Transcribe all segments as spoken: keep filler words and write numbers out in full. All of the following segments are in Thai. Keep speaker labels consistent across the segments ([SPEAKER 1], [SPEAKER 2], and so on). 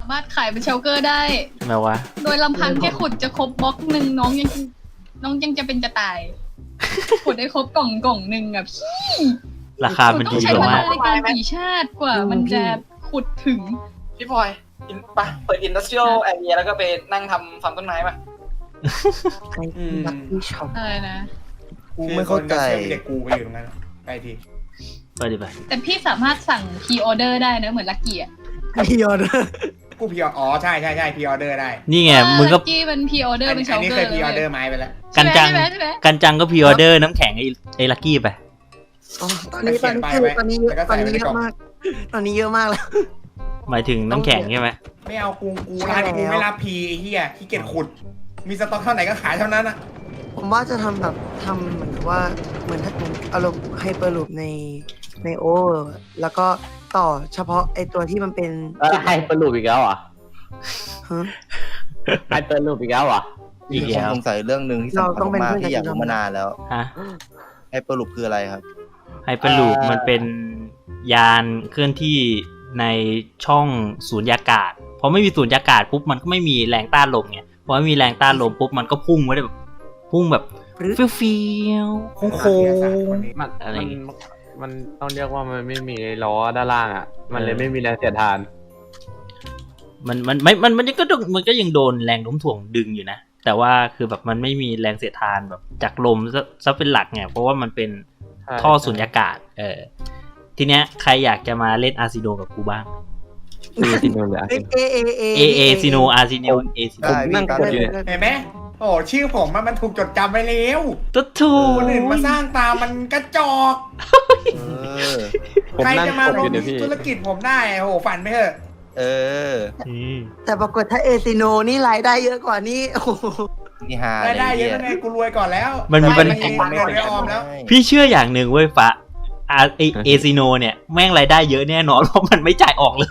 [SPEAKER 1] ามารถขายเป็นเชลเกอร์ได้
[SPEAKER 2] ทำไมวะ
[SPEAKER 1] โดยลำพังแค่ขุดจะครบบล็อกหนึ่งน้องยังน้องยังจะเป็นจะตาย ขุดได้ครบกล่องกล่องหนึ่งอะพี่
[SPEAKER 2] ราคามัน
[SPEAKER 1] ต้อ
[SPEAKER 2] ดี
[SPEAKER 1] งใช้เว
[SPEAKER 2] มา
[SPEAKER 1] ลาก ในการปีชาติกว่ามันจะขุดถึง
[SPEAKER 3] พี่พลอยอินปะเปิดอินดัสเทรียลแอเรียแล้วก็ไปนั่งทำฟาร์มต้นไม้ป่ะ
[SPEAKER 4] ใครรักพี่ชอบ
[SPEAKER 1] อะไรนะ
[SPEAKER 5] กูไม่เข้าใจ
[SPEAKER 6] เด็กกูไปอยู่ตรงนั้นไปที
[SPEAKER 2] ไปดิไป
[SPEAKER 1] แต่พี่สามารถสั่งพรีออเดอร์ได้นะเหมือนลักกี้อะ
[SPEAKER 4] พี่ยอด
[SPEAKER 6] กูพีอ๋อใช่ใช่ใช่พีออเดอร์ได้
[SPEAKER 2] นี่ไงมึงก็
[SPEAKER 1] ลักกี้มันพรีออเดอร์
[SPEAKER 6] อัน
[SPEAKER 1] เป็นเช
[SPEAKER 6] อัน
[SPEAKER 1] ล
[SPEAKER 6] นี้
[SPEAKER 1] เก
[SPEAKER 6] เค
[SPEAKER 1] อย ร์
[SPEAKER 6] พีออเดอ
[SPEAKER 1] เลย
[SPEAKER 6] ร์ไม้ไปแล้ว
[SPEAKER 2] กันจัง
[SPEAKER 1] ใช่ไหมใช่ไหม
[SPEAKER 2] กันจังก็พรีออเดอร์น้ำแข็งไอ้ไอ้ลักกี้ไป
[SPEAKER 4] ตอนนี้ตอนนี้คือตอนนี้เยอะตอนนี้เยอะมาก ตอนนี้เยอะมากแล้ว
[SPEAKER 2] หมายถึงน้ำแข็งใช่ไหม
[SPEAKER 6] ไม่เอากูกู
[SPEAKER 4] ใช่
[SPEAKER 6] ร้านกู
[SPEAKER 4] แล้ว
[SPEAKER 6] ไม่รับพีไอ้เหี้ยขี้เกียจขุด มีสต็อกเท่าไหร่ก็ขายเท่านั้นอะ
[SPEAKER 4] ผมว่าจะทำแบบทำเหมือนกับว่าเหมือนถ้าผมอารมณ์ไฮเปอร์ลูปในในโอแล้วก็ต่อเฉพาะไอตัวที่มันเป็น
[SPEAKER 7] เออไฮเปอร์ลูปอีกแล้วเหรอ่ะ
[SPEAKER 4] ฮะ
[SPEAKER 7] ไฮเปอร์ลูปอีกแล้วเหรอ่ะ
[SPEAKER 2] อีก
[SPEAKER 5] มีค
[SPEAKER 2] แล้
[SPEAKER 5] น
[SPEAKER 2] ว
[SPEAKER 5] สงสัยเรื่องหนึ่งที่สำคัญมากๆที่อยากรู้มานานแล้ว
[SPEAKER 2] ฮะ
[SPEAKER 5] ไฮเปอร์ลูปคืออะไรครับ
[SPEAKER 2] ไฮเปอร์ลูปมันเป็นยานเคลื่อนที่ในช่องสูญญากาศพอไม่มีสูญญากาศปุ๊บมันก็ไม่มีแรงต้านลมไงพอไม่มีแรงต้านลมปุ๊บมันก็พุ่งไว้ได้แบบพุ่งแบบเฟี้ยวๆโค้ง
[SPEAKER 8] มัน
[SPEAKER 2] อะไร
[SPEAKER 8] มัน
[SPEAKER 2] อย่างงี้
[SPEAKER 8] มันต้องเรียกว่ามันไม่มีล้อด้านล่างอ่ะ มันเลย
[SPEAKER 2] เออ
[SPEAKER 8] ไม่มีแรงเสียดทาน
[SPEAKER 2] มันมันไม่มันมันก็ต้องมันก็ยังโดนแรงโน้มถ่วงดึงอยู่นะ แต่ว่าคือแบบมันไม่มีแรงเสียดทานแบบจากลมซะซะเป็นหลักไงเพราะว่ามันเป็น
[SPEAKER 8] ใช่
[SPEAKER 2] ท่อสุญญากาศ เออ ทีเนี้ยใครอยากจะมาเล่นอาร์ซิโนกับกูบ้าง
[SPEAKER 8] คือซิโนเลย
[SPEAKER 4] เอเอเอเอ
[SPEAKER 2] เอเอซิโนอาร์ซิโนเอซิโน
[SPEAKER 5] ได้พี่
[SPEAKER 8] นั่ง
[SPEAKER 5] ตาม
[SPEAKER 8] กดอยู่เนี่ย
[SPEAKER 6] เห็นไหมโอ้ชื่อผมมันมันถูกจดจำไว้แล้ว
[SPEAKER 2] ตุ๊ดทู
[SPEAKER 6] คนอื่นมาสร้างตามมันกระจอก
[SPEAKER 5] เออ
[SPEAKER 8] ผม
[SPEAKER 6] ใคร
[SPEAKER 8] นั่ง
[SPEAKER 6] จะมาก
[SPEAKER 8] ด
[SPEAKER 6] ล
[SPEAKER 8] อง ยู่เนี่ยพี่
[SPEAKER 6] ธุรกิจผมได้โอ้โหฝันไม่เถอะ
[SPEAKER 5] เออ
[SPEAKER 2] อืม
[SPEAKER 4] แต่ปรากฏถ้าเอซิโนนี่รายได้เยอะกว่านี้โอ้โห
[SPEAKER 5] นี่ฮา
[SPEAKER 6] ได้
[SPEAKER 5] เลย
[SPEAKER 6] ได้เย
[SPEAKER 5] เหี้
[SPEAKER 6] อะ
[SPEAKER 5] ย
[SPEAKER 6] แล้วไงกูรวยก่อนแล้ว
[SPEAKER 2] มันมีปัญ
[SPEAKER 6] ไเงิ
[SPEAKER 2] หา
[SPEAKER 6] นเงินไม่ออมแล้ว
[SPEAKER 2] พี่เชื่ออย่างหนึ่งเว้ยฟ้าอาเอเอซิโนเนี่ยแม่งรายได้เยอะแน่นอนเพราะมันไม่จ่ายออกเลย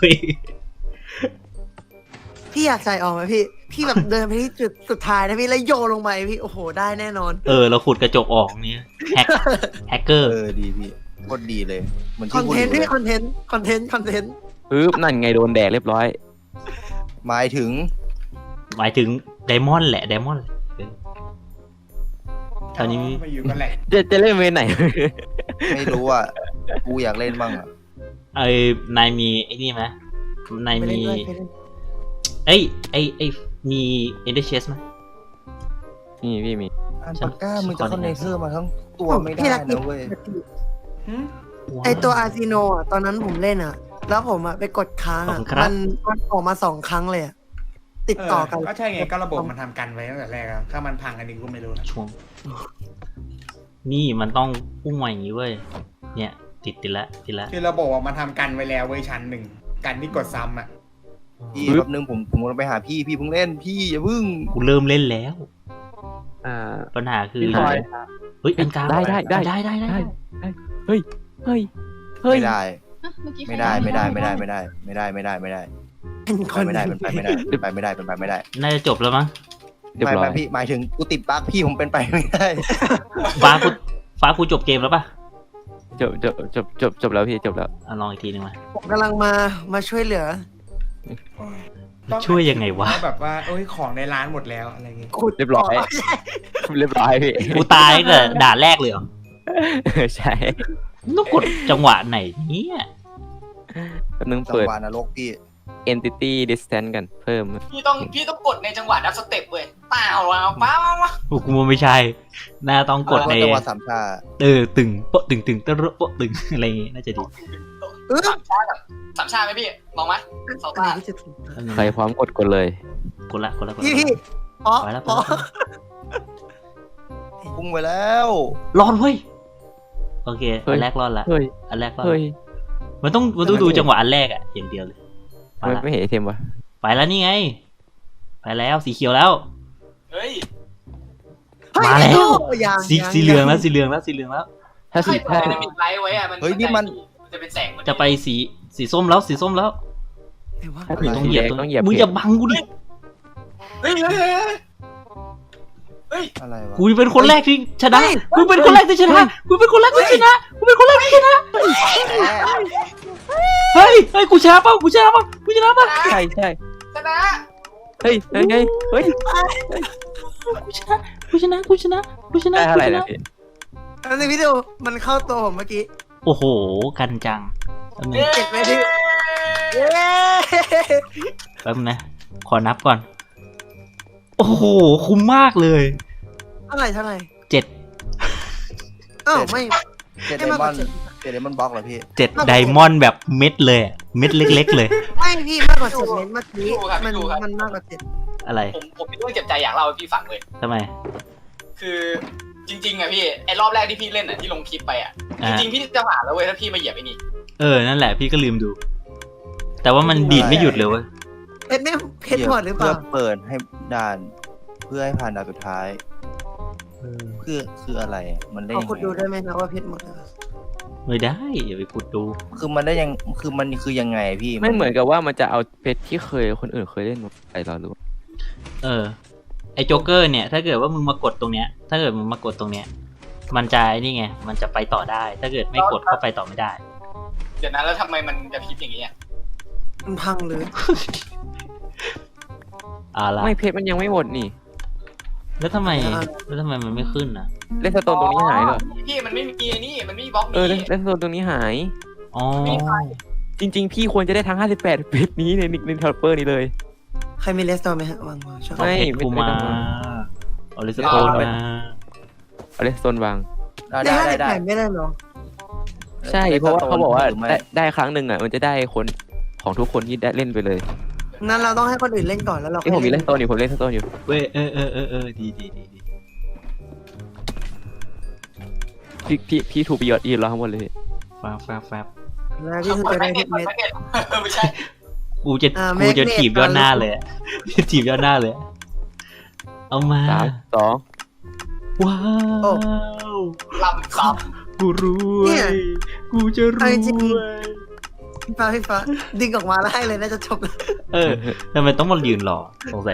[SPEAKER 4] พี่อยากใส่ออกไหมพี่ พี่แบบเดินไปที่จุดสุดท้ายนะพี่แล้วโยนลงไปพี่โอ้โหได้แน่นอน
[SPEAKER 2] เออเราขุดกระจกออกเนี่ยแฮกแฮกเกอร์
[SPEAKER 5] เออดีพี่โคตรดีเลยเหมือน
[SPEAKER 4] ค
[SPEAKER 5] ที่
[SPEAKER 4] อน
[SPEAKER 5] พูด
[SPEAKER 4] เท
[SPEAKER 5] อน
[SPEAKER 4] ต์
[SPEAKER 5] ยู่เล
[SPEAKER 4] พี่
[SPEAKER 5] ย
[SPEAKER 4] คอนเทนต์คอนเทนต์คอนเทนต์
[SPEAKER 7] ปึ๊บนั่นไงโดนแดกเรียบร้อย
[SPEAKER 5] หมายถึง
[SPEAKER 2] หมายถึงไดมอนด์แหละไดมอนด์ตอนนี้
[SPEAKER 6] มาอยู่กันแหละ
[SPEAKER 7] จะจะเล่นเวรไหน
[SPEAKER 5] ไม่รู้อ่ะกูอยากเล่นบ้างอ่ะ
[SPEAKER 2] ไอ้นายมีไอ้นี่ไหมนาย
[SPEAKER 4] ไปเล่
[SPEAKER 2] มี
[SPEAKER 4] นด้วยไปเล่น
[SPEAKER 2] เอ้ยไอ้ไอ้มีเอเดเชสไหม
[SPEAKER 7] นี่พี่มี
[SPEAKER 5] อันปากก้ามึงจะเข้าเนเธอร์มาทั้งตัวไม่ได้
[SPEAKER 4] พี่รัก
[SPEAKER 5] นะเว้ย
[SPEAKER 6] หึ
[SPEAKER 4] ไอตัวอาร์ซิโนอ่ะตอนนั้นผมเล่นอ่ะ แล้วผมอ่ะไปกดค้างอ่ะมันมันออกมาสองครั้งเลยอ่ะติดต่อกัน
[SPEAKER 6] ก็ใช่ไงก็ระบบมันทำกันไว้ตั้งแต่แรกอะถ้ามันพังอันนี้กูไม่รู้นะ
[SPEAKER 2] ช่วง นี่มันต้องพุ่งมาอย่างนี้เว้ยเนี่ยติดติดละติดละ
[SPEAKER 6] คือระบบอะมันทำกันไว้แล้วเว้ยชั้นหนึ่งกันที่กดซ้ำอ่ะ
[SPEAKER 5] พี่แป๊บนึงผมผมกำลังไปหาพี่พี่เพิ่งเล่นพี่อย่าเพิ่ง
[SPEAKER 2] กูเริ่มเล่นแล้ว
[SPEAKER 8] อ่า
[SPEAKER 2] ปัญหาคือ
[SPEAKER 8] พี่พลอย
[SPEAKER 2] เฮ้ยอันกลาง
[SPEAKER 7] ได้ได้ได้
[SPEAKER 2] ได้ได้ได้
[SPEAKER 7] เฮ้ย เฮ้ย เฮ้ย
[SPEAKER 5] ไม่ได้
[SPEAKER 1] อ่ะเมื่อกี้ใคร
[SPEAKER 5] ไม่ได้ไม่ได้ไม่ได้ไม่ได้ไม่ได้ไม่ได้ไม่ได้
[SPEAKER 4] เป็นค
[SPEAKER 5] ไป
[SPEAKER 4] น
[SPEAKER 5] ไม่ได้เป็นไปไม่ได้เป็นไปไม่ได้เป็นไปไม่ได้
[SPEAKER 2] น่าจะจบแล้วมั้ง
[SPEAKER 7] เรียบ
[SPEAKER 5] ไม่
[SPEAKER 7] ร้อ
[SPEAKER 5] ไม่
[SPEAKER 7] ย
[SPEAKER 5] พี่หมายถึงกูติดบั๊กพี่ผมเป็นไปไม่ได้
[SPEAKER 2] ฟ้ากูฟ้ากูจบเกมแล้วป่ะ
[SPEAKER 7] จบจบจบจบจบแล้วพี่จบแล้ว
[SPEAKER 2] อ่ะลองอีกทีหนึงมา
[SPEAKER 4] ผมกำลังมามาช่วยเหลือ
[SPEAKER 6] ต้อง
[SPEAKER 2] ช่วยยังไงวะ
[SPEAKER 6] แบบว่าโอ้ยของในร้านหมดแล้วอะไรเงี้ย
[SPEAKER 4] ขุด
[SPEAKER 7] เรียบร้อย เรียบร้อยพี่
[SPEAKER 2] กูตายตั้งแต่ด่านแรกเลยเหรอ
[SPEAKER 7] ใช่
[SPEAKER 2] ต้องกดจังหวะไหนเนี่ย
[SPEAKER 7] แป๊บนึง
[SPEAKER 5] จัง
[SPEAKER 7] เปิด
[SPEAKER 5] หวะนรกพี่
[SPEAKER 7] entity distance กันเพิ่ม
[SPEAKER 3] พี่ต้องพี่ต้องกดในจังหวะดับสเต็ปเว้ยเปล่าเอาเปล่าเอา
[SPEAKER 2] กูว่าไม่ใช่ น่าต้องกดใน
[SPEAKER 5] จังหวะสามชา
[SPEAKER 2] เออตึงโปะตึงตึงตะระโปะตึงอะไรอย่างงี้น่าจะดี
[SPEAKER 3] สามชากับสามชาไหมพี่ลองไหมสอง
[SPEAKER 4] อัน
[SPEAKER 3] ตา
[SPEAKER 4] นี้ที่จะถูก
[SPEAKER 2] แป๊บนึง
[SPEAKER 7] ใครพร้อมกดกดเลย
[SPEAKER 2] กดละกดละกดละ
[SPEAKER 4] พี่พี่อ๋อ
[SPEAKER 2] ไปแล้วไป
[SPEAKER 4] อ๋อ
[SPEAKER 2] แล้ว
[SPEAKER 5] พุ่งไปแล้ว
[SPEAKER 2] รอดเว้ยโอเค
[SPEAKER 7] เฮ้
[SPEAKER 2] อั
[SPEAKER 7] ย
[SPEAKER 2] นแรกรอดละ
[SPEAKER 7] เฮ้ย
[SPEAKER 2] อันแรกรอด
[SPEAKER 7] เฮ้ย
[SPEAKER 2] มันต้องมันต้องดูจังหวะอันแรกอะอย่างเดียวเลยไป
[SPEAKER 7] ทำไม
[SPEAKER 2] ละ
[SPEAKER 7] ไม่เห็นไอเทมวะ
[SPEAKER 2] ไปแล้วนี่ไง ไปแล้วสีเขียวแล้ว
[SPEAKER 3] เฮ้ย
[SPEAKER 2] มาแล้ว
[SPEAKER 4] ยัง
[SPEAKER 2] สี
[SPEAKER 4] ยัง
[SPEAKER 2] สีเหลืองแล้วสีเหลืองแล้วสีเหลืองแล้ว
[SPEAKER 7] ถ้า
[SPEAKER 3] ใคร
[SPEAKER 7] สี
[SPEAKER 3] เปิ
[SPEAKER 7] ถ้า
[SPEAKER 3] ดไดนามิกไลท์ไว้อะมัน
[SPEAKER 5] เฮ้ยนี่มัน
[SPEAKER 3] มันจะเป็นแสง
[SPEAKER 2] จะไปสีสีส้มแล้วสีส้มแล้ว
[SPEAKER 4] ไหนวะ
[SPEAKER 7] ถ้าสี
[SPEAKER 2] ต้อง
[SPEAKER 7] สี
[SPEAKER 2] เหยีย
[SPEAKER 7] แด
[SPEAKER 2] บ
[SPEAKER 7] งต้องเหยียบ
[SPEAKER 2] มึงอย่าบังกูดิ
[SPEAKER 3] เฮ้ยเฮ้ยเฮ้ยเฮ้ย
[SPEAKER 5] อะไรวะ
[SPEAKER 2] กูเป็นคนแรกที่ชนะกูเป็นคนแรกที่ชนะกูเป็นคนแรกที่ชนะกูเป็นคนแรกที่ชนะเฮ้ยเฮ้ยกูชนะเปล่ากูชนะเปล่ากูชนะเปล่า
[SPEAKER 7] ใช่ใช่
[SPEAKER 3] แสชนะ
[SPEAKER 7] เฮ้ยเฮ้ยเฮ้ยเฮ้ย
[SPEAKER 2] กูชนะกูชนะกูชนะกูชนะ
[SPEAKER 7] ได้เท่าไหร่
[SPEAKER 2] กูช
[SPEAKER 7] นะ
[SPEAKER 2] นะ
[SPEAKER 7] พี่
[SPEAKER 4] แล้วในวิดีโอมันเข้าตัวผมเมื่อกี้
[SPEAKER 2] โอ้โหกันจังแป๊บนึง
[SPEAKER 4] เจ็ดไหมพี่เย้
[SPEAKER 2] แป๊บนึงนะขอนับก่อน โอ้โหคุ้มมากเลย
[SPEAKER 4] เท่าไหร่เท่าไหร่
[SPEAKER 2] เจ็ด
[SPEAKER 4] อ้าวไม่
[SPEAKER 5] เจ็ด
[SPEAKER 4] ไม่
[SPEAKER 5] ได
[SPEAKER 4] มาก
[SPEAKER 5] ม
[SPEAKER 4] ก
[SPEAKER 5] อ
[SPEAKER 4] ว่าน เจ็ด
[SPEAKER 5] เจ็ดไดมอนด์บล็อกเหรอพี่
[SPEAKER 2] เจ็ดไดมอนด์แบบเม็ดเลยอะเม็ดเล็กๆเลย
[SPEAKER 4] ไม่พี่มากกว่าเจ็ดเมตรเมื่อกี้มันมันมากกว่าเจ็ด
[SPEAKER 2] อะไร
[SPEAKER 3] ผมผมมีเรื่องเจ็บใจอยากเล่าให้พี่ฟังเลย
[SPEAKER 2] ทำไม
[SPEAKER 3] คือจริงๆอะพี่ไอ้รอบแรกที่พี่เล่นอะที่ลงคลิปไปอะจ
[SPEAKER 2] อ่า
[SPEAKER 3] ริงๆพี่จะผ่านแล้วเว้ยถ้าพี่มาเหยียบไอ้นี่
[SPEAKER 2] เออนั่นแหละพี่ก็ลืมดู แต่ว่ามันดีดไม่หยุดเลยเว้ย
[SPEAKER 4] เพชรไม่เพชรหมดหรือเป
[SPEAKER 5] เพื่อ
[SPEAKER 4] ล่า
[SPEAKER 5] เปิดให้ด่าน เพื่อให้ผ่านด่านสุดท้าย เพื่อคืออะไรอะมันได้
[SPEAKER 4] เอา
[SPEAKER 5] ยัง
[SPEAKER 4] คุณดู
[SPEAKER 5] ไง
[SPEAKER 4] ได้ไหมนะว่าเพชรหมดหรือเปล่า
[SPEAKER 2] ไม่ได้อย่าไปขุดดู
[SPEAKER 5] คือมันได้ยังคือมันคือยังไงพี่
[SPEAKER 7] ไม่เหมือนกับว่ามันจะเอาเพชรที่เคยคนอื่นเคยเล่นไปเราหรือว่า
[SPEAKER 2] เออไอ้โจ๊กเกอร์เนี่ย ถ้าเกิดว่ามึงมากดตรงเนี้ย ถ้าเกิดมึงมากดตรงเนี้ย มันจะไอ้นี่ไง มันจะไปต่อได้ ถ้าเกิดไม่กดก็ไปต่อไม่ได้
[SPEAKER 3] เดี๋ยวนั้นแล้วทำไมมันจะพลิกอย่างนี้อะ
[SPEAKER 4] มันพังหรือ
[SPEAKER 2] อ่าละ
[SPEAKER 7] ไม่เพชรมันยังไม่หมดนี่
[SPEAKER 2] แล้วทำไมแล้วทำไมมันไม่ขึ้นอ่ะ
[SPEAKER 7] เล่นสโตนตรงนี้หายเหรอ
[SPEAKER 3] พี่มันไม่มีไอ้นี่มันไม่มีบล็อก
[SPEAKER 7] เออ
[SPEAKER 3] นี้
[SPEAKER 7] เล่นสโตนตรงนี้หาย
[SPEAKER 2] อ๋อ
[SPEAKER 7] จริง ๆ พี่ควรจะได้ทั้งห้าสิบแปดเพชรนี้ในในทอปเปอร์นี้เลย
[SPEAKER 4] ใครมีเลสโตนไหมฮะวางวางชอบ
[SPEAKER 2] เอาเพชร
[SPEAKER 7] ไม่
[SPEAKER 2] กู
[SPEAKER 7] ไม่
[SPEAKER 2] มา
[SPEAKER 7] ต้องมา
[SPEAKER 2] เอาเลสโตนมา
[SPEAKER 7] เอาเลนสโตนวาง
[SPEAKER 4] ได้
[SPEAKER 5] ได้
[SPEAKER 4] ห้า
[SPEAKER 5] ได้
[SPEAKER 4] สิบ
[SPEAKER 5] ได้
[SPEAKER 4] แปดไม่ได้เหรอ
[SPEAKER 7] ใช่เพราะว่าเขาบอกว่า
[SPEAKER 5] หรืไม่
[SPEAKER 7] ได้ได้ครั้งหนึ่งอ่ะมันจะได้คนของทุกคนที่ได้เล่นไปเลย
[SPEAKER 4] นั่นเราต้องให้คนอื่นเล่นก่อนแล้วเรา
[SPEAKER 7] ที่ผมมีเล่นสโตนอยู่ผมเล่นสโตนอยู่
[SPEAKER 2] เว้ยเออเออเออเออดีดีดีดี
[SPEAKER 7] พี่พี่พี่ถูกไปยอดยืนรอข้างบนเลย
[SPEAKER 2] แฟบแฟบแฟบ
[SPEAKER 4] แล้วพี่คือจะได้เพชรเม็ด
[SPEAKER 3] ไม่ใช่
[SPEAKER 2] กูจะ
[SPEAKER 4] อ่า
[SPEAKER 2] กูจะ
[SPEAKER 4] แมกเนต
[SPEAKER 2] ถีบยอดหน้าเลยอะ ถีบยอดหน้าเลยอะเอามา
[SPEAKER 7] สามสอง
[SPEAKER 2] ว้าว
[SPEAKER 3] ลำซ้
[SPEAKER 2] กูรวยกูจะรวย
[SPEAKER 4] พี่ฟ้าพี่ฟ้าดึงออกมาแล้วให้เลยน่าจะจบแล้ว
[SPEAKER 2] เออทำไมต้องมายืนรอสงสัย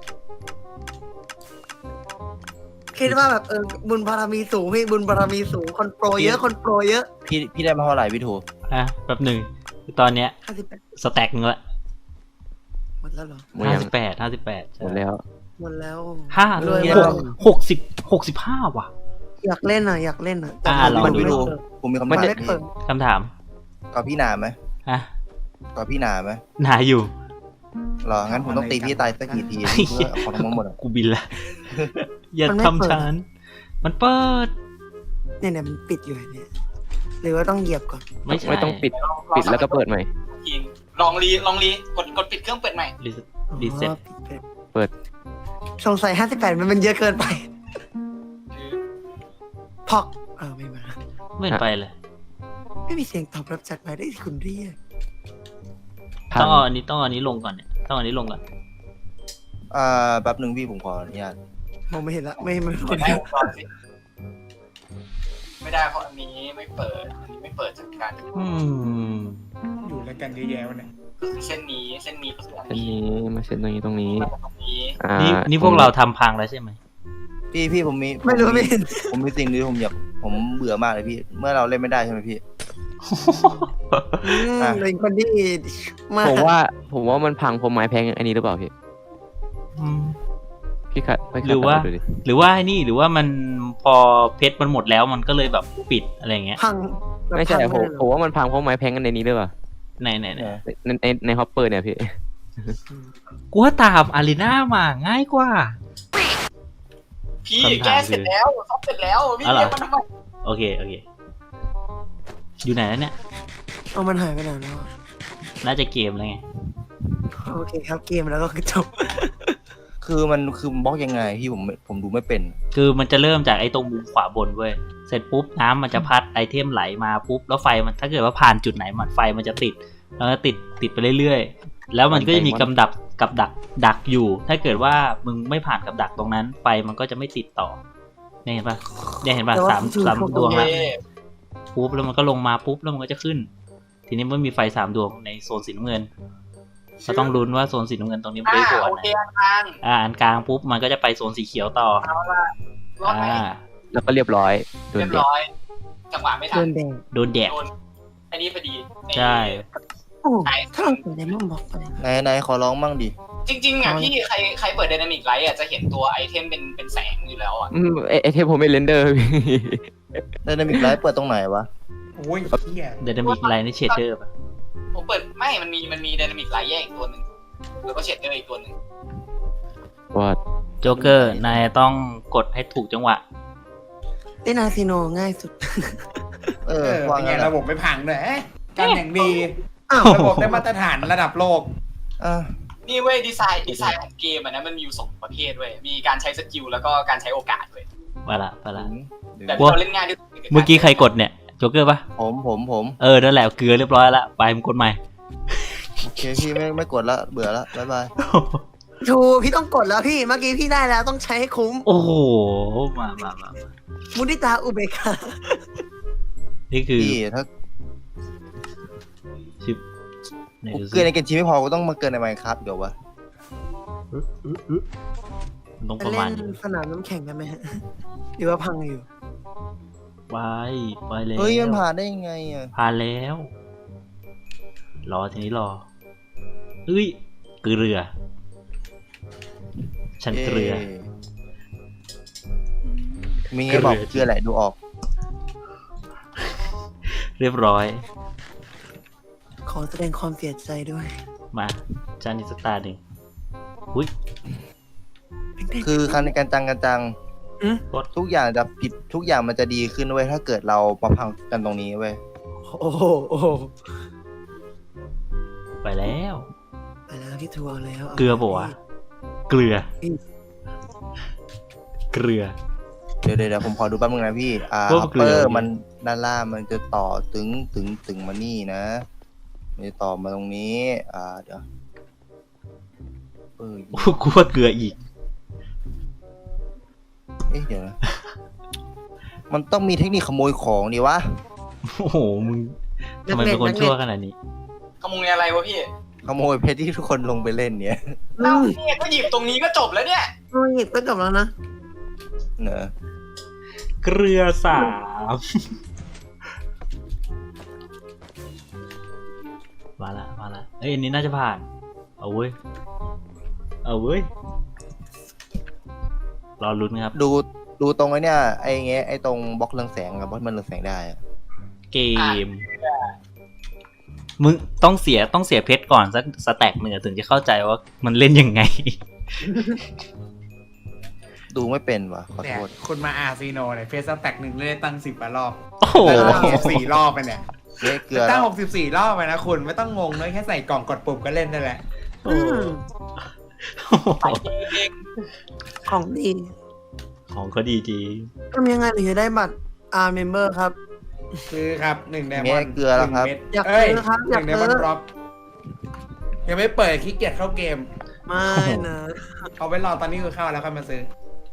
[SPEAKER 4] คิดว่าแบบเออบุญบารมีสูงพี่บุญบารมีสูงคนโปรเยอะคนโปรเยอะ
[SPEAKER 5] พี่พี่ได้มาเท่าไหร่พี่ถู
[SPEAKER 2] อ่ะแป๊บหนึ่งตอนเนี้ย
[SPEAKER 4] ห้าสิบแปด
[SPEAKER 2] สแต็กนึงละ
[SPEAKER 4] หมดแล้วเหรอ
[SPEAKER 7] หมด
[SPEAKER 2] ห้า
[SPEAKER 7] ยัง
[SPEAKER 2] สิบแปดห้าสิบแปด
[SPEAKER 7] หมดแล้ว
[SPEAKER 4] หมดแล้ว
[SPEAKER 2] ห้าร
[SPEAKER 4] วย
[SPEAKER 2] ห
[SPEAKER 4] มาก
[SPEAKER 2] กหกสิบหกสิบห้าว่ะ
[SPEAKER 4] อยากเล่นอ่ะอยากเล่นอ่ะแต่
[SPEAKER 2] อ่าลอง
[SPEAKER 4] มัน
[SPEAKER 2] ดู
[SPEAKER 4] ไม่
[SPEAKER 5] พี่ถู
[SPEAKER 4] เปิด
[SPEAKER 5] ผมมีคำ
[SPEAKER 4] มัน
[SPEAKER 5] ถาม
[SPEAKER 4] ไม่
[SPEAKER 5] พี่
[SPEAKER 4] เปิด
[SPEAKER 2] คำถาม
[SPEAKER 5] กับพี่หนาไหม
[SPEAKER 2] ฮะ
[SPEAKER 5] กับพี่หนาไหม
[SPEAKER 2] หนาอยู่
[SPEAKER 5] เหรองั้นผมต้องตีพี่ตายสักกี่ทีเพื่อเอาของทั้งหมดอะ
[SPEAKER 2] กูบินละ อย่าทำฉัน มันเปิด
[SPEAKER 4] เนี่ยเนี่ยมันปิดอยู่เนี่ยหรือว่าต้องเหยียบก่อน
[SPEAKER 2] ไม่ใช่
[SPEAKER 7] ไม่ต้องปิด
[SPEAKER 3] ำ
[SPEAKER 7] ปิดแล้วก็เปิดใหม่
[SPEAKER 3] ทีมลองรีลองรีกดกดปิดเครื่องเปิดใหม่
[SPEAKER 2] รีรีเซ็ต
[SPEAKER 4] อ๋อปิด
[SPEAKER 7] เปิด
[SPEAKER 4] สงสัยห้าสิบแปดมันมันเยอะเกินไปพอกเออไม่มา
[SPEAKER 2] ไม่เห็นไปเลย
[SPEAKER 4] ไม่มีเสียงตอบรับจากหมายได้ที่คุณเรียก
[SPEAKER 2] ต้องเอาอันนี้ต้องเอาอันนี้ลงก่อนเนี่ยต้องเอาอันนี้ลงก่อน
[SPEAKER 5] อ่าแป๊บหนึ่งพี่ผมขออนุญาต
[SPEAKER 4] มองไม่เห็นละไม่ไม่
[SPEAKER 3] ก
[SPEAKER 4] ไม่
[SPEAKER 3] ดได้วงจรสิไม่ได้เพราะอันนี้ไม่เปิดอันนี้ไม่เปิดจากการ
[SPEAKER 2] อืม
[SPEAKER 6] อยู่แล้วกันเยอะแยะวันนี้
[SPEAKER 3] ก็คือเส้นนี้เส้นนี้ก็คืออัน
[SPEAKER 7] อัน
[SPEAKER 3] นี้
[SPEAKER 7] นี้มาเซ็นตรงนี้ตรงนี้
[SPEAKER 3] มาตรงนี้
[SPEAKER 7] อ่า
[SPEAKER 2] นี่นี่พวกเราทำพังแล้วใช่ไหม
[SPEAKER 5] พี่พี่ผมมี
[SPEAKER 4] ไม่รู้ไม่เห็น
[SPEAKER 5] ผมมีสิ่งหนึงผมอยากผมเบื่อมากเลยพี่ เมื่อเราเล่นไม่ได้ใช่ไหมพี่
[SPEAKER 4] อืมเป็นคนที่มาก
[SPEAKER 7] ผมว่าผมว่ามันพังเพราะไม้แพงอันนี้หรือเปล่าพี่
[SPEAKER 2] อืม
[SPEAKER 7] พี่คัดไปคัด
[SPEAKER 2] หรือว่า
[SPEAKER 7] ดูดิ
[SPEAKER 2] หรือว่าไอ้นี่หรือว่ามันพอเพชรมันหมดแล้วมันก็เลยแบบปิดอะไรอย่างเงี้ย
[SPEAKER 4] พังแบบ
[SPEAKER 7] ไม่ใช่
[SPEAKER 4] พัง
[SPEAKER 7] ผม
[SPEAKER 4] เลยเหรอ
[SPEAKER 7] ผมว่ามันพังเพราะไม้แพงกันในนี้หรือเปล่า
[SPEAKER 2] ไหนไหนไหน
[SPEAKER 7] ในในในฮอปเปอร์เนี่ยพี่
[SPEAKER 2] กูว่าตามอารีนามาง่ายกว่า
[SPEAKER 3] พี่
[SPEAKER 2] คำถาม
[SPEAKER 3] แก้เสร็จแล้วซอฟเสร็จแล้วพี่
[SPEAKER 2] อ๋อเหรอ
[SPEAKER 3] เรียกมันทำไม
[SPEAKER 2] โอเคโอเค อยู่ไหนแล้วเนี่ย
[SPEAKER 4] เอามันหายไปไหนแล้วอะ
[SPEAKER 2] น่าจะเกมแล้วไง
[SPEAKER 4] โอเคครับเกมแล้วก็คือจบ
[SPEAKER 5] คือมันคือบล็อกยังไงพี่ผมไม่ผมดูไม่เป็น
[SPEAKER 2] คือมันจะเริ่มจากไอ้ตรงมุมขวาบนเว้ย เสร็จปุ๊บน้ำมันจะพัดไอเทมไหลมาปุ๊บแล้วไฟมันถ้าเกิดว่าผ่านจุดไหนมันไฟมันจะติดแล้วก็ติดติดไปเรื่อยๆ แล้วมันก็จะมีกำดักกับดักดักอยู่ ถ้าเกิดว่ามึงไม่ผ่านกับดักตรงนั้นไฟมันก็จะไม่ติดต่อเนี่ยเห็นปะเนี่ยเห็นปะ
[SPEAKER 4] แต่ว่า
[SPEAKER 3] 네.
[SPEAKER 2] สามสามดวง
[SPEAKER 3] โอ
[SPEAKER 2] แล้ว
[SPEAKER 3] เค
[SPEAKER 2] ปุ๊บแล้วมันก็ลงมาปุ๊บแล้วมันก็จะขึ้น ทีนี้มันมีไฟสามดวงในโซนสีน้ำเงินเราต้องลุ้นว่าโซนสีน้ำเงินตรงนี้มัน
[SPEAKER 3] อ่า
[SPEAKER 2] ได้ผล
[SPEAKER 3] โอเคอันกลาง
[SPEAKER 2] อ่าอันกลางปุ๊บมันก็จะไปโซนสีเขียวต่อ
[SPEAKER 3] เอาละรอดไหม
[SPEAKER 2] อ่า
[SPEAKER 7] แล้วก็เรียบร้อยโดน
[SPEAKER 3] เรียบ
[SPEAKER 7] เด็ก
[SPEAKER 3] ร้อยจังหวะไม่ทั
[SPEAKER 4] เดิ
[SPEAKER 3] น
[SPEAKER 4] นแดง
[SPEAKER 2] โดนแดก
[SPEAKER 3] โดนอันนี้พอดี
[SPEAKER 2] ใช่
[SPEAKER 4] โอ้ถ้าเราเปิดไดมอนด์บล็อกไปเลย
[SPEAKER 5] ไหนไหนขอร้องมั่งดิ
[SPEAKER 3] จริงๆอ่ะพี่ใครใครเปิด Dynamic Light อ่ะจะเห็นตัวไอเทมเป็นเป็นแสงอยู่แล้วอ่ะ
[SPEAKER 7] อืมไอไอเทมผมเป็นเรนเดอร์พี่
[SPEAKER 5] ไดนามิกไลท์เปิดตรงไหนวะ
[SPEAKER 6] โอ้ยเฮีย
[SPEAKER 2] เดนามิกไลน์ในเชดเดอร์ป่ะ
[SPEAKER 3] ผมเปิดไม่มันมีมันมี Dynamic Light แยกอีกตัวหนึ่งแล้วก็เชดเดอร์อีกตัวหนึ่ง
[SPEAKER 7] ว่า
[SPEAKER 2] โจ๊กเกอร์นายต้องกดให้ถูกจังหวะ
[SPEAKER 4] เล่นอาซิโนง่ายสุด
[SPEAKER 5] เอ
[SPEAKER 6] เอ
[SPEAKER 5] อ
[SPEAKER 6] อ
[SPEAKER 5] ว่า
[SPEAKER 6] เป็นไง
[SPEAKER 5] งั้น
[SPEAKER 6] ระบบไม่พังด้วยเอ๊ะการอย่างดี
[SPEAKER 4] อ้าว
[SPEAKER 6] ระบบได้มาตรฐานระดับโลก
[SPEAKER 5] อ่ะ
[SPEAKER 3] นี่เว้ยดีไซน์ดีไซน์ของเกมอ่ะนะมันมีอยู่สองประเภทเว้ยมีการใช้สกิลแล้วก็การใช้โอกาสเว้ย
[SPEAKER 2] มาละมาละ
[SPEAKER 3] แบบ
[SPEAKER 2] ว่า
[SPEAKER 3] เราเล่นง่ายด้วย
[SPEAKER 2] เมื่อกี้ใครกดเนี่ย โจ๊กเกอร์ป่ะ
[SPEAKER 5] ผมผมผม
[SPEAKER 2] เออ นั่นแหละเกลือเรียบร้อยละไปมึงกดใหม่
[SPEAKER 5] โอเคพี่ไม่ไม่กดละเบื่อละบ๊ายบาย
[SPEAKER 4] ถูกพี่ต้องกดแล้วพี่ เมื่อกี้พี่ได้แล้วต้องใช้ให้คุ้ม
[SPEAKER 2] โอ้โห มามามามา
[SPEAKER 4] มุทิตาอุเบกขา
[SPEAKER 2] นี่คือ
[SPEAKER 5] พี่ถ้า
[SPEAKER 2] ชิปไหน
[SPEAKER 5] กู
[SPEAKER 2] ดู
[SPEAKER 5] เกิ
[SPEAKER 2] สิ
[SPEAKER 5] นในเกมชีไม่พอกูต้องมาเกินในไมค์ครับเดี๋ยววะ
[SPEAKER 2] มันต้อง
[SPEAKER 4] ไป
[SPEAKER 2] ประ
[SPEAKER 4] เล่
[SPEAKER 2] มาณ
[SPEAKER 4] น
[SPEAKER 2] นี้
[SPEAKER 4] สนามน้ำแข็งกันไหมฮะ หรือว่าพังอยู่
[SPEAKER 2] ไปไปแล้ว
[SPEAKER 5] เฮ้ยมันผ่านได้ยังไงอ่ะ
[SPEAKER 2] ผ่านแล้ว รอทีนี้รอเอ้ยเกลือ ฉันเกลือ
[SPEAKER 5] เย้มีไงบอกเกลือแหละดูออก
[SPEAKER 2] เรียบร้อย
[SPEAKER 4] ขอแสดงความเสียใจด้วย
[SPEAKER 2] มาจานอีกสกตาร์หนึ่งอุ้ย
[SPEAKER 5] คือคันในการจังกันจัง
[SPEAKER 4] อืม
[SPEAKER 5] ทุกอย่างจะผิดทุกอย่างมันจะดีขึ้นเว้ยถ้าเกิดเรามาพังกันตรงนี้เว้ย
[SPEAKER 4] โอ้โหโอ้โห
[SPEAKER 2] ไปแล้ว
[SPEAKER 4] ไปแล้วพี่ทัวร์แล้ว
[SPEAKER 2] เกลือปะวะ เกลือ
[SPEAKER 4] อืม
[SPEAKER 2] เกลือ
[SPEAKER 5] เดี๋ยวเดี๋ยวเดี๋ยวผมขอดูแป๊บนึงนะพี่ อ่า
[SPEAKER 2] พวก
[SPEAKER 5] ฮัป
[SPEAKER 2] เกลื
[SPEAKER 5] เป
[SPEAKER 2] อ
[SPEAKER 5] อร์
[SPEAKER 2] นี่
[SPEAKER 5] มันด้านล่างมันจะต่อถึงถึงถึงมานี่นะมันจะต่อมาตรงนี้ อ่าเดี๋ยวเออ
[SPEAKER 2] โอ้กูว่าเกลืออีก
[SPEAKER 5] เอ๊ะเดี๋ยวนะ มันต้องมีเทคนิคขโมยของดิวะ
[SPEAKER 2] โอ้โห มึงทำไมเป็นคนชั่วขนาดนี้
[SPEAKER 3] ขโมยอะไรวะพี่
[SPEAKER 5] ขโมยเพชรที่ทุกคนลงไปเล่นเนี่ย
[SPEAKER 4] อื
[SPEAKER 3] เอ้าม เนี่ยก็หยิบตรงนี้ก็จบแล้วเนี่ย
[SPEAKER 4] โอ้ยหยิบก็จบแล้วนะ
[SPEAKER 5] เนอะ
[SPEAKER 2] เกลือสาม มาละ มาละ เอ้ยอันนี้น่าจะผ่าน เอาเว้ย เอาเว้ย รอลุ้นครับ
[SPEAKER 5] ดูดูตรงไอ้เนี่ยไอ้เงี้ยไอ้ตรงบล็อกเรืองแสงกับบล็อกมันเรืองแสงได้อะ
[SPEAKER 2] เกม มึงต้องเสียต้องเสียเพชรก่อนสักสแต็กหนึ่งอะถึงจะเข้าใจว่ามันเล่นยังไง
[SPEAKER 5] ดูไม่เป็นวะขอ
[SPEAKER 6] เนี่
[SPEAKER 5] โท
[SPEAKER 6] ย
[SPEAKER 5] ษ
[SPEAKER 6] คุณมาอาซีโนเนี่ยเฟสแต็กหนึ่งเล่นตั้งสิบกว่ารอบ
[SPEAKER 2] โอ้โห
[SPEAKER 6] ตั้งหกสิบสี่รอบไปเนี่ย
[SPEAKER 5] เละเกลือ
[SPEAKER 6] ตั้
[SPEAKER 5] แล้
[SPEAKER 6] ง
[SPEAKER 5] ว
[SPEAKER 6] หกสิบสี่รอบไปนะคุณไม่ต้องงงเลยแค่ใส่กล่องกดปุ่มก็เล่นได้แหละ
[SPEAKER 2] โอ้โห
[SPEAKER 4] ของดี
[SPEAKER 2] ของเขาดีจริง
[SPEAKER 4] ทำยังไงถึงจะได้บัตรอาร์เมมเบอร์ครับ
[SPEAKER 6] ซื้อครับหนึ่งไดม
[SPEAKER 5] เมี
[SPEAKER 6] อย นด์
[SPEAKER 5] เกลือแล้วครับ
[SPEAKER 4] อยาก
[SPEAKER 6] เอ้ย
[SPEAKER 4] ซื้อครับ
[SPEAKER 6] ห
[SPEAKER 4] อยาก
[SPEAKER 6] นึ่งได
[SPEAKER 4] ซื้อ
[SPEAKER 6] มอนด์ดรอปยังไม่เปิดขี้เกียจเข้าเกม
[SPEAKER 4] ไม่นะ
[SPEAKER 6] เอาไว้รอตอนนี้คือเข้าแล้วค่อยมาซื้อ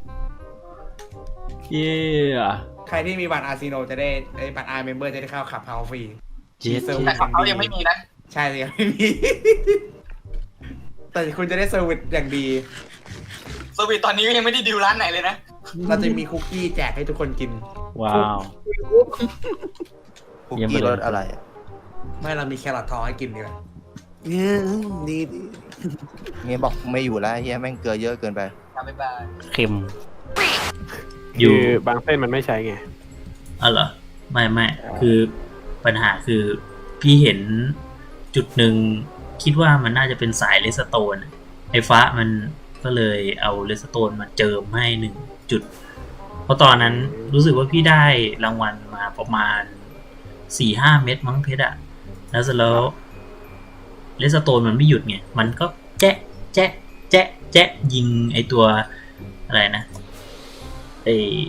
[SPEAKER 2] เย้
[SPEAKER 6] ใครที่มีบัตรอาซีโนจะได้ไอ้บัตรอาร์เมมเบอร์จะได้เข้าขับเฮาฟรี
[SPEAKER 2] เจ็ด
[SPEAKER 6] เซอร์วิ
[SPEAKER 3] แต่
[SPEAKER 6] ส
[SPEAKER 3] ของเขายังไม่มีนะ
[SPEAKER 6] ใช่สิยังไม่มี แต่คุณจะได้เซอร์วิสอย่างดี
[SPEAKER 3] เซอร์วิสตอนนี้ก็ยังไม่ได้ดิวร้านไหนเลยนะ
[SPEAKER 6] เราจะมีคุกกี้แจกให้ทุกคนกิน
[SPEAKER 2] ว้าว
[SPEAKER 5] คุก
[SPEAKER 2] ยังไม่
[SPEAKER 5] กี้
[SPEAKER 2] เลย
[SPEAKER 5] รสอะไรอะ
[SPEAKER 6] ไม่เรามีแครอททองให้กินดีกว่า
[SPEAKER 4] เนี่ยดีดี
[SPEAKER 5] เมียบอกไม่อยู่แล้วเฮียแม่งเกลือเยอะเกินไป
[SPEAKER 3] บ๊ายบาย
[SPEAKER 2] เค็ม อ
[SPEAKER 8] คื
[SPEAKER 2] ยู่
[SPEAKER 8] อบางเส้นมันไม่ใช้ไง
[SPEAKER 2] อ๋อเหรอ ไม่ไม่คือปัญหาคือพี่เห็นจุดหนึ่งคิดว่ามันน่าจะเป็นสายเลสโตน ไอ้ฟ้ามันก็เลยเอาเลสโตนมาเจิมให้หนึ่งจุด เพราะตอนนั้นรู้สึกว่าพี่ได้รางวัลมาประมาณสี่ห้าเม็ดมั้งเพชรอะแล้วเสร็จแล้วเลสโตนมันไม่หยุดไง มันก็แจ๊ะแจ๊ะแจ๊ะแจ๊ะยิงไอตัวอะไรนะไอ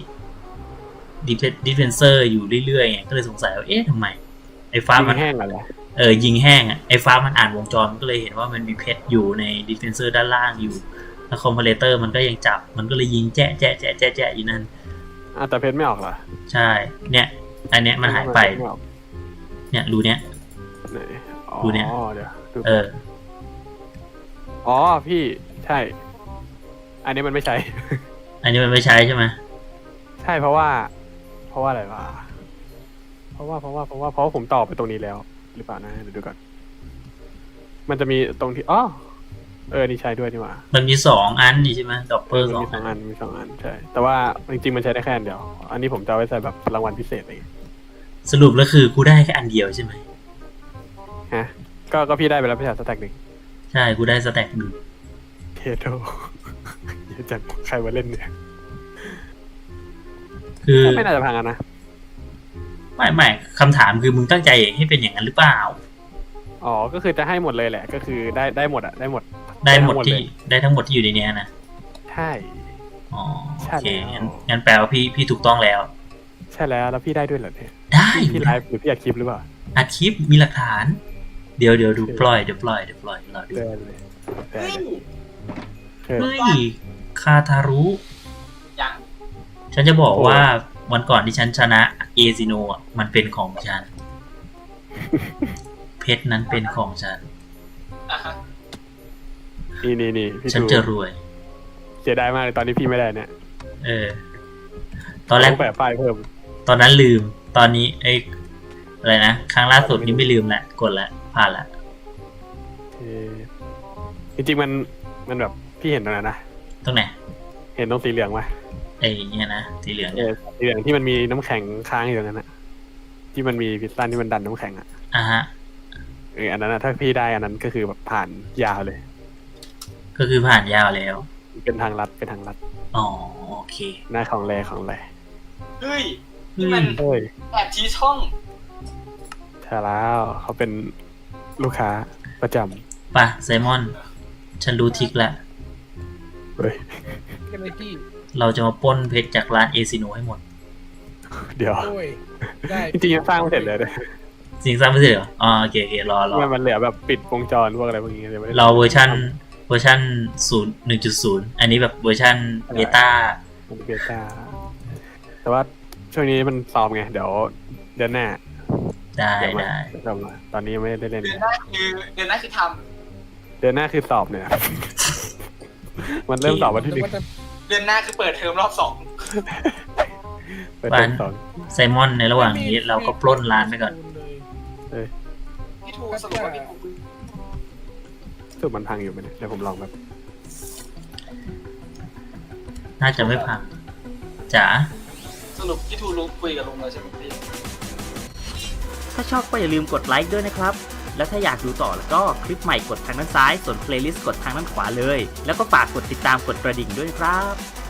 [SPEAKER 2] ดิเฟนเซอร์อยู่เรื่อยๆไงก็เลยสงสัยว่าเอ๊ะทำไมไอ้ฟ้า
[SPEAKER 8] ยิง
[SPEAKER 2] มัน
[SPEAKER 8] แห้งอะไร
[SPEAKER 2] เออยิงแห้งอ่ะไอ้ฟ้ามันอ่านวงจรมันก็เลยเห็นว่ามันมีเพชรอยู่ในดิเฟนเซอร์ด้านล่างอยู่แล้วคอมเพลเตอร์มันก็ยังจับมันก็เลยยิงแจ๊ะแจ๊ะแจ๊ะแจ๊ะแจ๊ะอยู่นั่น
[SPEAKER 8] อ่ะแต่เพชรไม่ออกเหรอ
[SPEAKER 2] ใช่เนี่ยอันเนี้ยมันหายไป
[SPEAKER 8] ม่ออก
[SPEAKER 2] เนี่ยรูเนี้ย
[SPEAKER 8] ไหนอ๋อ
[SPEAKER 2] ดูเนี่ย
[SPEAKER 8] เดี๋ยวดู
[SPEAKER 2] เออ
[SPEAKER 8] อ๋อพี่ใช่ อันนี้มันไม่ใช้
[SPEAKER 2] อันนี้มันไม่ใช้ใช่ไหม
[SPEAKER 8] ใช่เพราะว่า เพราะว่าอะไรวะเพราะว่าเพราะว่าเพราะว่าเพราะว่าผมต่อไปตรงนี้แล้ว หรือเปล่านะเดี๋ยวดูก่อนมันจะมีตรงที่อ๋อเออนี่ใช้ด้วยนี่หว่า
[SPEAKER 2] มันมีสองอันนี่ใช่ไหมดอกเปอร์
[SPEAKER 8] มัน
[SPEAKER 2] สอง
[SPEAKER 8] มีส
[SPEAKER 2] อั
[SPEAKER 8] อน งอันมีสองอันใช่แต่ว่าจริงๆมันใช้ได้แค่อันเดียวอันนี้ผมจะเอาไว้ใส่แบบรางวัลพิเศษอะไรอย่างเงี้ย
[SPEAKER 2] สรุปแล้วคือกูได้แค่อันเดียวใช่ไหม
[SPEAKER 8] ฮะก็ก็พี่ได้ไปแล้วพี่ชายสแต็กหนึ่ง
[SPEAKER 2] ใช่กูได้สแต็กหนึ่ง
[SPEAKER 8] เทโทเยอะจังใครมาเล่นเนี่ย
[SPEAKER 2] คือ
[SPEAKER 8] ไม่น่าจะพังกันนะ
[SPEAKER 2] ไม่ไม่คำถามคือมึงตั้งใจให้เป็นอย่างนั้นหรือเปล่า
[SPEAKER 8] อ๋อก็คือจะให้หมดเลยแหละก็คือได้ได้หมดอะได้หมด
[SPEAKER 2] ได้หมด
[SPEAKER 8] ทั้ง
[SPEAKER 2] ที่
[SPEAKER 8] เลย
[SPEAKER 2] ได้ทั้งหมดที่อยู่ในเนี้ยนะ
[SPEAKER 8] ใช่
[SPEAKER 2] อ๋อ
[SPEAKER 8] ใช่
[SPEAKER 2] โอเค
[SPEAKER 8] แล้ว
[SPEAKER 2] งั้นงั้นแปลว่าพี่พี่ถูกต้องแล้ว
[SPEAKER 8] ใช่แล้วแล้วพี่ได้ด้วยเหรอเนี่ย
[SPEAKER 2] ได้
[SPEAKER 8] พี่ไลฟ์หรือพี่อัดคลิปหรือเปล่า
[SPEAKER 2] อัดคลิปมีหลักฐาน เดี๋ยวเดี๋ยวดูปล่อยเดี๋ยวปล่อยเดี๋ยวปล่อยรอดู
[SPEAKER 8] เดินเลยเดิน
[SPEAKER 3] เฮ้ย
[SPEAKER 8] เลยเออ
[SPEAKER 2] เฮ้ยคาทารุ
[SPEAKER 3] ยัง
[SPEAKER 2] ฉันจะบอก
[SPEAKER 8] โอ้
[SPEAKER 2] ว่าวันก่อนที่ฉันชนะเอซิโนอ่ะมันเป็นของฉัน เพชรนั้นเป็นของฉัน
[SPEAKER 3] อ่ะฮะ
[SPEAKER 8] นี่นี่นี่พี่
[SPEAKER 2] ฉัน
[SPEAKER 8] ดู
[SPEAKER 2] จะรวย
[SPEAKER 8] เสียดายมากเลยตอนนี้พี่ไม่ได้เนี่ย
[SPEAKER 2] เออ ตอนแรก
[SPEAKER 8] งแปะป้ายเพิ่ม
[SPEAKER 2] ตอนนั้นลืม ตอนนี้ไอ้อะไรนะ ครั้งล่าสุดนี้ไม่ลืมละกดละผ่านละ
[SPEAKER 8] เออจริงๆมันมันแบบพี่เห็นตรงนั้นนะ
[SPEAKER 2] ตรงไหน
[SPEAKER 8] เห็นตรงสีเหลืองไหม
[SPEAKER 2] ไอ้เนี่ยนะสีเหลือง
[SPEAKER 8] เอ
[SPEAKER 2] เนี่ย
[SPEAKER 8] อสีเหลืองที่มันมีน้ำแข็งค้างอยู่ตรงนั้นอะที่มันมีพิซซ่าที่มันดันน้ำแข็งอะ
[SPEAKER 2] อ่ะฮะ
[SPEAKER 8] เอออันนั้นอะถ้าพี่ได้อันนั้นก็คือแบบผ่านยาวเลย
[SPEAKER 2] ก็คือผ่านยาวแล้ว
[SPEAKER 8] เป็นทางลัดเป็นทางลัด
[SPEAKER 2] อ๋อโอเค
[SPEAKER 8] หน้าของแรของแร
[SPEAKER 3] เฮ้ยนี่มัน
[SPEAKER 8] เฮ้ย
[SPEAKER 3] แอบชี้ช่อง
[SPEAKER 8] ใช่แล้วเขาเป็นลูกค้าประจำ
[SPEAKER 2] ป่ะไซมอน ฉันรู้ทริกแล้ว
[SPEAKER 8] เฮ้ย
[SPEAKER 9] กันเลยพี่
[SPEAKER 2] เราจะมาปล้นเพชรจากร้านเอซิโนให้หมด
[SPEAKER 8] เดี๋ยว
[SPEAKER 9] โอ้ย ได้
[SPEAKER 8] จริงๆยังสร้างไม่เสร็จเลยเนี่ย
[SPEAKER 2] สิ่งสร้างไม่เสร็จเหรออ๋อโอเคโอเครอรอ
[SPEAKER 8] มันมันเหลือแบบปิดวงจรพวกอะไรพวกนี้เลยไม่ได้
[SPEAKER 2] เราเวอร์ชันเวอร์ชันศูนย์หนึ่งจุดศูนย์อันนี้แบบเวอร์ชันเบต้า
[SPEAKER 8] มันเบต้าแต่ว่าช่วงนี้มันซ้อมไง เดี๋ยวเดือนหน้า
[SPEAKER 2] ได้
[SPEAKER 8] เดี๋ยวมา
[SPEAKER 2] ได้
[SPEAKER 8] เดี๋ยวกลับมาตอนนี้ยังไม่ได้เล่น
[SPEAKER 3] เดือน
[SPEAKER 8] เลย
[SPEAKER 3] หน้าคือเดือนหน้าคือท
[SPEAKER 8] เดือนหน้าคือสอบเนี่ย มันเริ่มสอบวันที่หนึ่ง
[SPEAKER 3] ำเดือนหน้าคือเปิดเทอมรอบสอง
[SPEAKER 8] เปิดเทอมสอง
[SPEAKER 2] ไซมอนในระหว่างนี้เราก็ปล้นร้านไปก่อน
[SPEAKER 3] พี่ทูสรุปว่าพี่ทู
[SPEAKER 8] สุดมันพังอยู่ไหมเนี่ยเดี๋ยวผมลองแบบ
[SPEAKER 2] น่าจะไม่พังจ๋า
[SPEAKER 3] สรุปพี่ทูรู้คุยกับลุงแล้วใช่ไหมพี่
[SPEAKER 10] ถ้าชอบก็อย่าลืมกดไลค์ด้วยนะครับ แล้วถ้าอยากดูต่อแล้วก็คลิปใหม่กดทางด้านซ้าย ส่วนเพลย์ลิสต์กดทางด้านขวาเลย แล้วก็ฝากกดติดตามกดกระดิ่งด้วยนะครับ